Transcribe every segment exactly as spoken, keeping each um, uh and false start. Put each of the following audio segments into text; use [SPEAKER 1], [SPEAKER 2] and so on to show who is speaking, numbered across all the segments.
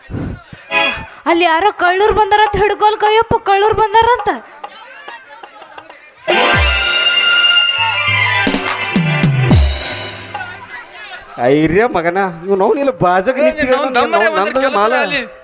[SPEAKER 1] ಅಲ್ಲಿ ಯಾರೋ ಕಳ್ಳೂರ್ ಬಂದಾರಂತ ಹಿಡ್ಕೊಲ್ ಕೈಯಪ್ಪ ಕಳ್ಳೂರ್ ಬಂದಾರಂತ.
[SPEAKER 2] ಐರ್ಯ ಮಗನ ನೀವು ನಾವು ಇಲ್ಲ ಬಾಜಕ್ ಮಾಲ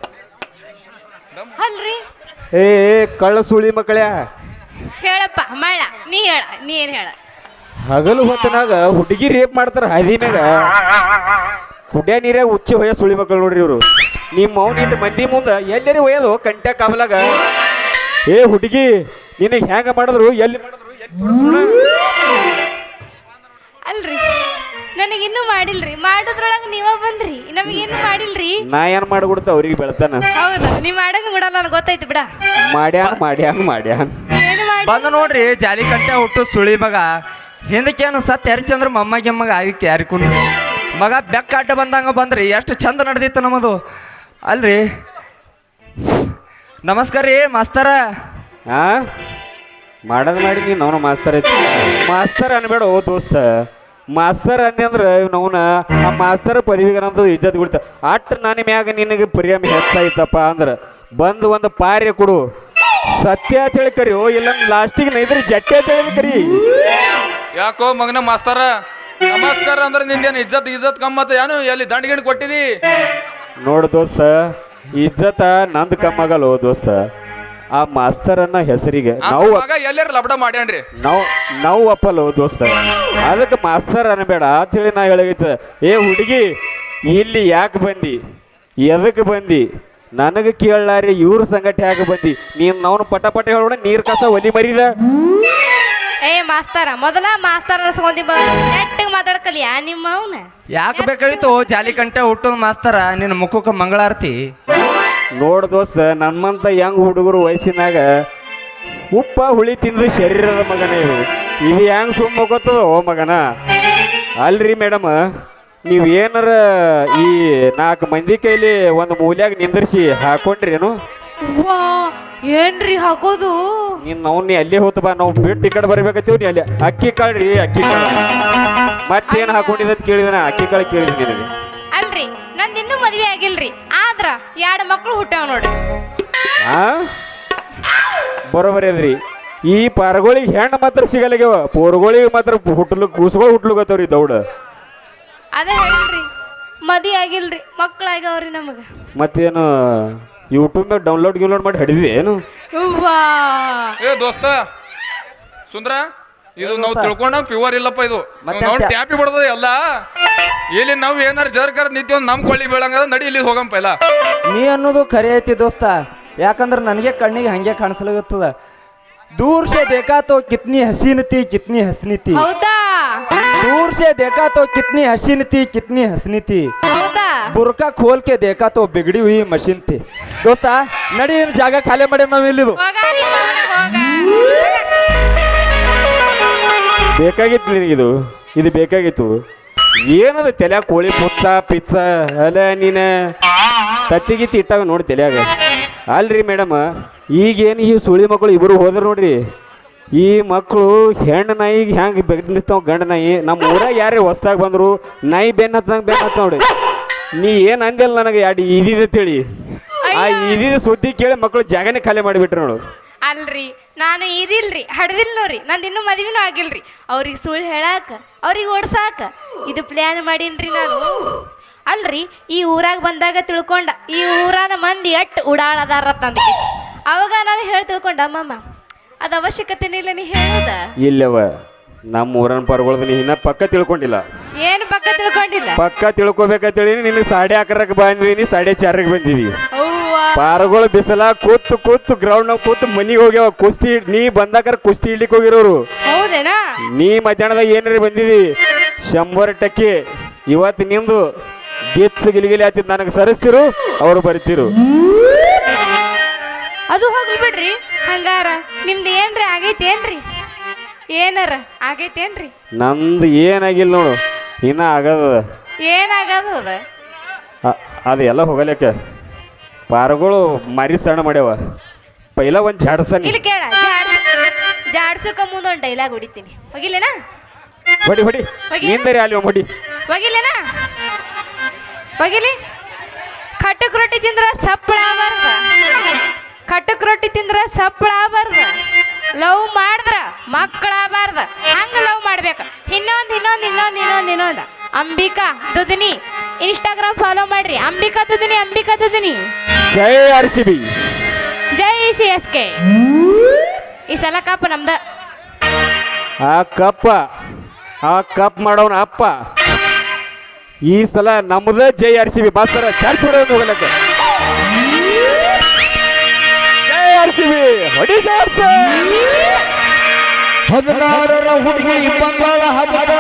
[SPEAKER 1] ಅಲ್ರಿ
[SPEAKER 2] ಏ ಕಳ್ಳ ಸುಳಿ ಮಕ್ಕಳ್ಯಾ
[SPEAKER 1] ಹೇಳಪ್ಪ ಮಾಡ ನೀ ಹೇಳ ನೀ ಏನ್ ಹೇಳ.
[SPEAKER 2] ಹಗಲು ಹೊತ್ತನಾಗ ಹುಡುಗಿ ರೇಪ್ ಮಾಡ್ತಾರ ಹದಿನಾಗ ಕುಡ್ಯ ನೀರಾಗ ಉಚ್ಚಿ ಹೊಯ್ಯ ಸುಳಿ ಮಕ್ಕಳು ನೋಡ್ರಿ ಇವ್ರು. ನಿಮ್ಮ ಮೌನ ಇಟ್ಟು ಮಂದಿ ಮುಂದೆ ಎಲ್ಲರಿ ಒಯ್ಯೋದು ಕಂಟ್ಯಾ ಕಾವಲಾಗ. ಏ ಹುಡುಗಿ ನಿನಗೆ ಹೆಂಗ ಮಾಡಿದ್ರು ಎಲ್ಲಿ ಮಾಡಿದ್ರು ಎಲ್ಲಿ ತೋರಿಸೋಣ.
[SPEAKER 1] ಅಲ್ರಿ ನನಗಿನ್ನೂ ಮಾಡಿಲ್ರಿ, ಮಾಡೋದ್ರೊಳಗ ನೀವ ಬಂದ್ರಿ, ನಮಗೇನು ಮಾಡಿಲ್ರಿ.
[SPEAKER 2] ನಾ ಏನ್ ಮಾಡ್ಬಿಡ್ತ ಅವ್ರಿಗೆ ಬೆಳ್ತಾನ.
[SPEAKER 1] ಹೌದಾ ನೀ ಮಾಡಂಗ ಬಿಡ ನನಗೆ ಗೊತ್ತೈತಿ ಬಿಡ.
[SPEAKER 2] ಮಾಡ್ಯಾನ ಮಾಡ್ಯಾನ ಮಾಡ್ಯಾನ
[SPEAKER 1] ಏನು ಮಾಡಿ
[SPEAKER 3] ಬಂದ ನೋಡ್ರಿ ಜಾಲಿ ಕಂಟೆ ಹುಟ್ಟು ಸುಳಿ ಮಗ. ಹಿಂದಕ್ಕೇನು ಸತ್ ಹರಿಚಂದ್ರ ಮೊಮ್ಮಗೆ ಮಗ ಆಯ್ಕೆ ಯಾರಿಕೊಂಡು ಮಗ ಬೆಕ್ಕಾಟ ಬಂದಂಗ ಬಂದ್ರಿ ಎಷ್ಟು ಚಂದ ನಡೆದಿತ್ತು ನಮ್ಮದು. ಅಲ್ರಿ ನಮಸ್ಕಾರ ರೀ ಮಾಸ್ತರ.
[SPEAKER 2] ಹಾ ಮಾಡೋದು ಮಾಡಿ ನೀನು ಅವನು ಮಾಸ್ತರ್ ಐತಿ ಮಾಸ್ತರ್ ಅನ್ಬೇಡ ಓ ದೋಸ್ತ. ಮಾಸ್ತರ್ ಅಂದೆ ಅಂದ್ರೆ ಅವನ ಆ ಮಾಸ್ತರ್ ಪದವಿಗನಂತ ಇಜ್ಜತ್ ಬಿಡ್ತ ಅಟ್ ನನ್ನ ಮ್ಯಾಗ ನಿನಗೆ ಪ್ರಿಯಮ್ ಹೆಚ್ಚಾಯ್ತಪ್ಪ ಅಂದ್ರೆ ಬಂದು ಒಂದು ಪಾರ್ಯ ಕೊಡು. ಸತ್ಯ ಅಂತೇಳಿ ಕರಿಯೋ ಇಲ್ಲ ಲಾಸ್ಟಿಗೆ ನೈದ್ರೆ ಜಟ್ಟೆ ಅಂತೇಳಿ ಕರಿ.
[SPEAKER 4] ಯಾಕೋ ಮಗನ ಮಾಸ್ತರ ನಮಸ್ಕಾರ ಅಂದ್ರೆ ನಿಂದೇನು ಇಜ್ಜತ್ ಇಜ್ಜತ್ ಕಮ್ಮತ್ತ ಏನು ಎಲ್ಲಿ ದಂಡಗಿಣ್ ಕೊಟ್ಟಿದಿ.
[SPEAKER 2] ನೋಡು ದೋಸ್ತ ಇಜ್ಜತ ನಂದು ಕಮ್ಮಗಲ್ಲ ದೋಸ್ತ. ಆ ಮಾಸ್ತರನ್ನ ಹೆಸರಿಗೆ ನಾವು
[SPEAKER 4] ಎಲ್ಲಾರು ಲಬಡ ಮಾಡ್ಯಾನ್ರಿ
[SPEAKER 2] ನಾವು ನಾವು ಒಪ್ಪಲ್ಲ ದೋಸ್ತ. ಅದಕ್ಕೆ ಮಾಸ್ತರ್ ಅನ್ಬೇಡ ಅಂತೇಳಿ ನಾ ಹೇಳಗೈತೆ. ಏ ಹುಡುಗಿ ಇಲ್ಲಿ ಯಾಕೆ ಬಂದಿ ಎದಕ್ಕೆ ಬಂದಿ ನನಗೆ ಕೇಳಲಾರಿ ಇವ್ರ ಸಂಗಟ ಯಾಕೆ ಬಂದಿ ನೀನು ನಾವು ಪಟ ಪಟ ಹೇಳೋಣ ನೀರು ಕಸ ಒಲಿ ಮರಿದ.
[SPEAKER 1] ಏ ಮಾಸ್ತರ ಮೊದಲ ಮಾಸ್ತರ ಅನ್ಸ್ಕೊಂಡಿ ನೆಟ್ಟಿಗೆ ಮಾತಾಡ್ಕಲಿಯ ನಿಮ್ಮ ಅವನ
[SPEAKER 3] ಯಾಕೆ ಬೇಕಾಗಿತ್ತು ಜಾಲಿ ಕಂಟೆ ಹುಟ್ಟು ಮಾಸ್ತರ ನಿನ್ನ ಮುಖಕ್ಕೆ ಮಂಗಳಾರತಿ.
[SPEAKER 2] ನೋಡು ದೋಸ್ತ ನಮ್ಮಂತ ಯಂಗ್ ಹುಡುಗರು ವಯಸ್ಸಿನಾಗ ಉಪ್ಪ ಹುಳಿ ತಿಂದು ಶರೀರದ ಮಗನ ಇವು ಇದು ಹೆಂಗ್ ಸುಮ್ಮ ಗೊತ್ತದ ಓ ಮಗನ. ಅಲ್ರಿ ಮೇಡಮ್ ನೀವು ಏನಾರ ಈ ನಾಲ್ಕು ಮಂದಿ ಕೈಲಿ ಒಂದು ಮೂಲ್ಯಾಗ ನಿಂದ್ರಿಸಿ ಹಾಕೊಂಡ್ರೇನು.
[SPEAKER 1] ವಾ ಏನ್ರಿ ಹಾಕೋದು
[SPEAKER 2] ನೀನು ನಾವು ನೀ ಅಲ್ಲೇ ಹೋತ ಬಾ ನಾವು ಬಿಟ್ಟು ಈ ಕಡೆ ಬರ್ಬೇಕತ್ತೀವಿ ನೀ ಅಲ್ಲಿ ಅಕ್ಕಿ ಕಾಳು ರೀ ಅಕ್ಕಿ ಕಾಳು ಮತ್ತೇನು ಹಾಕೊಂಡಿದ್ದ ಕೇಳಿದನ ಅಕ್ಕಿ ಕಾಳು ಕೇಳಿದ್ರಿ ನಿನಗೆ.
[SPEAKER 1] ಅಲ್ರಿ ನಂದು ಇನ್ನೂ ಮದ್ವೆ ಆಗಿಲ್ರಿ ಆದ್ರ ಎರಡು ಮಕ್ಳು ಹುಟ್ಟಾವ ನೋಡ್ರಿ.
[SPEAKER 2] ಆ ಬರೋಬರಿ ಅದ್ರಿ ಈ ಪಾರಗಳಿಗೆ ಹೆಣ್ಣು ಮಾತ್ರ ಸಿಗಲ್ಲಾಗ್ಯವ ಪೋರ್ಗಳಿಗೆ ಮಾತ್ರ ಹುಟ್ಲು ಕೂಸುಗಳು ಹುಟ್ಲುಗತ್ತವ್ರಿ ದೌಡ.
[SPEAKER 1] ಅದೇ ಹೇಳಿಲ್ರಿ ಮದಿ ಆಗಿಲ್ರಿ ಮಕ್ಳಾಗ್ಯಾವ್ರಿ ನಮಗ.
[SPEAKER 2] ಮತ್ತೇನು ಯೂಟ್ಯೂಬ್ ಡೌನ್ಲೋಡ್ ಗಿನ್ಲೋಡ್ ಮಾಡಿ ಹಿಡಿದ್ವಿ ಏನು.
[SPEAKER 4] ಏ ದೋಸ್ತ ಸುಂದ್ರ ಇದು ನಾವು ತಿಳ್ಕೊಂಡಂಗ ಪ್ಯೂರ್ ಇಲ್ಲಪ್ಪ ಇದು ನಾವು ಟ್ಯಾಪಿ ಬಿಡದ ಎಲ್ಲ. ಇಲ್ಲಿ ನಾವು ಏನಾರ ಜರ್ಕರ್ ನಿಂತಿ ಒಂದು ನಮ್ ಕೊಳ್ಳಿ ಬೀಳಂಗದ ನಡಿ ಇಲ್ಲಿ ಹೋಗಂಪ ಇಲ್ಲ.
[SPEAKER 3] ನೀ ಅನ್ನೋದು ಖರೆ ಐತಿ ದೋಸ್ತ. ಯಾಕಂದ್ರೆ ನನಗೆ ಕಣ್ಣಿಗೆ ಹಂಗೆ ಕಾಣಿಸ್ಲಾಗತ್ತದ. दूर से देखा तो कितनी हसीन थी कितनी हसनी थी.
[SPEAKER 1] ಹೌದಾ
[SPEAKER 3] दूर से देखा तो कितनी हसीन थी कितनी हसनी थी.
[SPEAKER 1] ಹೌದಾ
[SPEAKER 3] बुरका खोल के देखा तो बिगड़ी हुई मशीन थी. दोस्त नड़ी ಜಾಗ ಖಾಲಿ ಮಾಡಿ ನಾವು ಇಲ್ಲಿದು
[SPEAKER 1] ಹೋಗಾರಿ ಹೋಗ
[SPEAKER 2] ಬೇಕಾಗಿತ್ತು ನಿನಗಿದು ಇದು ಬೇಕಾಗಿತ್ತು. ಏನದು ತಲೆಯಾಗ ಕೋಳಿ ಪುಚ್ಚ ಪಿಚ್ಚ ಅಲ್ಲ ನೀನು ತತ್ತಿಗಿತ್ತಿ ಇಟ್ಟಾಗ ನೋಡಿ ತಲೆಯಾಗ. ಅಲ್ರಿ ಮೇಡಮ್ ಈಗೇನು ಈ ಸುಳಿ ಮಕ್ಕಳು ಇಬ್ಬರು ಹೋದ್ರು ನೋಡ್ರಿ ಈ ಮಕ್ಕಳು ಹೆಣ್ಣು ನಾಯಿಗೆ ಹೆಂಗೆ ಬೆಟ್ಟಿರ್ತಾವ ಗಂಡ ನಾಯಿ. ನಮ್ಮ ಊರಾಗ ಯಾರೇ ಹೊಸ್ದಾಗಿ ಬಂದರು ನಾಯಿ ಬೆನ್ನ ಹತ್ತಂಗೆ ಬೆನ್ನ ಹತ್ತ ನೋಡಿ. ನೀ ಏನು ಅಂದಿಲ್ಲ ನನಗೆ ಎರಡು ಇದಿದೆ ತಿಳಿ ಆ ಇದಿದ ಸುದ್ದಿ ಕೇಳಿ ಮಕ್ಕಳು ಜಾಗನೇ ಖಾಲಿ ಮಾಡಿಬಿಟ್ರು ನೋಡು.
[SPEAKER 1] ಅಲ್ರಿ ನಾನು ಇದಿಲ್ರಿ ಹಡ್ದಿಲ್ ನೋಡ್ರಿ ನಂದು ಇನ್ನೂ ಮದ್ವಿನೂ ಆಗಿಲ್ರಿ. ಅವ್ರಿಗೆ ಸುಳ್ಳು ಹೇಳಾಕ ಅವ್ರಿಗೆ ಓಡ್ಸಾಕ ಇದು ಪ್ಲ್ಯಾನ್ ಮಾಡೀನ್ರಿ ನಾನು. ಅಲ್ರಿ ಈ ಊರಾಗ ಬಂದಾಗ ತಿಳ್ಕೊಂಡ ಈ ಊರಾನ ಮಂದಿ ಎಟ್ಟು ಉಡಾಳದಾರ ತಂದ ಅವಾಗ ನಾನು ಹೇಳಿ ತಿಳ್ಕೊಂಡ ಅಮ್ಮಮ್ಮ ಅದು ಅವಶ್ಯಕತೆನೇ ಇಲ್ಲ ನೀ ಹೇಳದ.
[SPEAKER 2] ಇಲ್ಲವ ನಮ್ಮ ಊರನ್ ಪರ್ಗೊಳ್ದು ನೀ ಇನ್ನ ಪಕ್ಕ ತಿಳ್ಕೊಂಡಿಲ್ಲ.
[SPEAKER 1] ಏನು ಪಕ್ಕ ತಿಳ್ಕೊಂಡಿಲ್ಲ
[SPEAKER 2] ಪಕ್ಕ ತಿಳ್ಕೊಬೇಕಂತೇಳಿ ನಿನ್ನ ಸಾಡೆ ಹಾಕರಕ್ಕೆ ಬಂದಿನಿ ಸಾಡೆ ಚಾರಕ್ಕೆ ಬಂದಿವಿ.
[SPEAKER 1] ಅವ್ವಾ
[SPEAKER 2] ಪಾರಗಳು ಬಿಸಲ ಕೂತು ಕೂತು ಗ್ರೌಂಡ್ ನಾಗ ಕೂತು ಮನಿಗೆ ಹೋಗ್ಯಾವ ಕುಸ್ತಿ ನೀ ಬಂದಾಕರ ಕುಸ್ತಿ ಇಡ್ಲಿಕ್ಕೆ ಹೋಗಿರೋರು.
[SPEAKER 1] ಹೌದೇನಾ
[SPEAKER 2] ನೀ ಮಧ್ಯಾಹ್ನದಾಗ ಏನಾರ ಬಂದಿದಿ ಶಂಬರ್ ಟಕ್ಕೆ ಇವತ್ತು ನಿಂದು ಗಿತ್ಸ್ ಗಿಲಿಗಿಲಿ ಆತಿದ್ ನನಗೆ ಸರಿಸ್ತಿರು ಅವ್ರು ಬರಿತಿರು.
[SPEAKER 1] ಅದು ಹೋಗ್ಲಿ ಬಿಡ್ರಿ. ಹಂಗಾರ ನಿಮ್ದು ಏನ್ರಿ ಆಗೈತೇನ್ರಿ ಏನಾರ ಆಗೈತೇನ್ರಿ.
[SPEAKER 2] ನಂದು ಏನಾಗಿಲ್ಲ ನೋಡು ಇನ್ನ ಆಗದ
[SPEAKER 1] ಏನಾಗದು ಅದ
[SPEAKER 2] ಅದು ಎಲ್ಲ ಹೋಗಲಿಕ್ಕೆ ಪಾರಗಳು ಮರಿ ಸಣ್ಣ ಮಾಡ್ಯಾವ ಪೈಲ ಒಂದು ಜಾಡ್ಸನಿ
[SPEAKER 1] ಇಲ್ಲಿ ಕೇಳ ಜಾಡ್ಸ ಜಾಡ್ಸಕ ಮುಂದೊಂದು ಡೈಲಾಗ್ ಹೊಡಿತೀನಿ ಹೋಗಿಲ್ಲೇನಾ
[SPEAKER 2] ಹೊಡಿ ಹೊಡಿ ನಿಂದರಿ ಅಲ್ಲಿ ಹೊಡಿ
[SPEAKER 1] ಹೋಗಿಲ್ಲೇನಾ ಹೋಗಿಲಿ ಕಟಕ್ ರೊಟ್ಟಿ ತಿಂದ್ರ ಸಪ್ಪಳ ಆಗಬಾರ್ದ ಕಟಕ್ ರೊಟ್ಟಿ ತಿಂದ್ರ ಸಪ್ಪಳ ಆಗಬಾರ್ದ ಲವ್ ಮಾಡಿದ್ರ ಮಕ್ಕಳಾಗಬಾರ್ದ ಹಂಗ ಲವ್ ಮಾಡ್ಬೇಕು ಇನ್ನೊಂದು ಇನ್ನೊಂದು ಇನ್ನೊಂದು ಇನ್ನೊಂದು ಇನ್ನೊಂದು ಅಂಬಿಕಾ ದುದನಿ ಇನ್ಸ್ಟಾಗ್ರಾಮ್ ಫಾಲೋ ಮಾಡ್ರಿ ಅಂಬಿಕಾ ದುದನಿ ಅಂಬಿಕಾ ದುದನಿ
[SPEAKER 2] ಜೈ ಆರ್ ಸಿ ಬಿ
[SPEAKER 1] ಜೈ ಸಿ ಎಸ್ ಕೆ ಈ ಸಲ ಕಪ್ ನಮ್ದ
[SPEAKER 2] ಆ ಕಪ್ಪ ಆ ಕಪ್ ಮಾಡೋನ ಅಪ್ಪ ಈ ಸಲ ನಮ್ದ ಜೈ ಆರ್ ಸಿ ಬಿ ಬಾಸ್ತರ ಚಾರ್ಜ್ ಹೊಡೆಯೋದು ಹೋಗಲಕ್ಕೆ ಜೈ ಆರ್ ಸಿ ಬಿ ಹೊಡಿ
[SPEAKER 3] ಹದಿನಾರರ ಹುಡುಗಿ ಬಂದಾಳ ಹದಕ